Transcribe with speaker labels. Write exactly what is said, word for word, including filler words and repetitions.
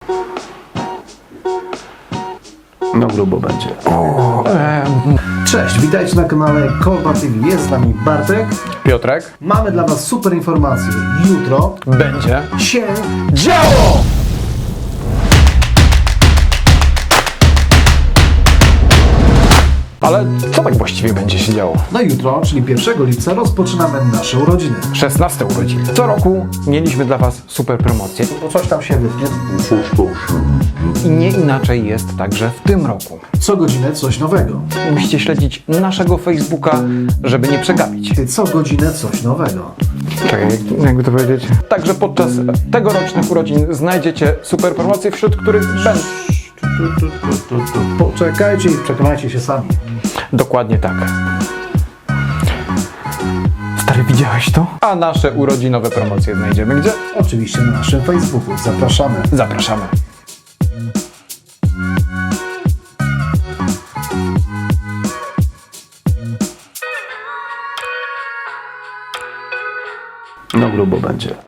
Speaker 1: No grubo będzie.
Speaker 2: O, e,
Speaker 3: Cześć, witajcie na kanale Kolba T V. Jest z nami Bartek.
Speaker 2: Piotrek,
Speaker 3: Mamy dla Was super informacje. Jutro
Speaker 2: będzie
Speaker 3: się...
Speaker 2: działo! Ale co tak właściwie będzie się działo?
Speaker 3: No jutro, czyli pierwszego lipca, rozpoczynamy nasze urodziny.
Speaker 2: szesnaste urodziny. Co roku mieliśmy dla Was super promocje
Speaker 3: Bo coś tam się wytnie.
Speaker 2: i nie inaczej jest także w tym roku.
Speaker 3: Co godzinę coś nowego.
Speaker 2: Musicie śledzić naszego Facebooka, żeby nie przegapić.
Speaker 3: Ty co godzinę coś nowego.
Speaker 2: Czekaj, jakby to powiedzieć? Także podczas tegorocznych urodzin znajdziecie super promocje, wśród których będą...
Speaker 3: Tu, tu, tu, tu, tu. Poczekajcie i przekonajcie się sami.
Speaker 2: Dokładnie tak. Stary, widziałeś to? A nasze urodzinowe promocje znajdziemy gdzie?
Speaker 3: Oczywiście na naszym Facebooku. Zapraszamy.
Speaker 2: Zapraszamy.
Speaker 1: No grubo będzie.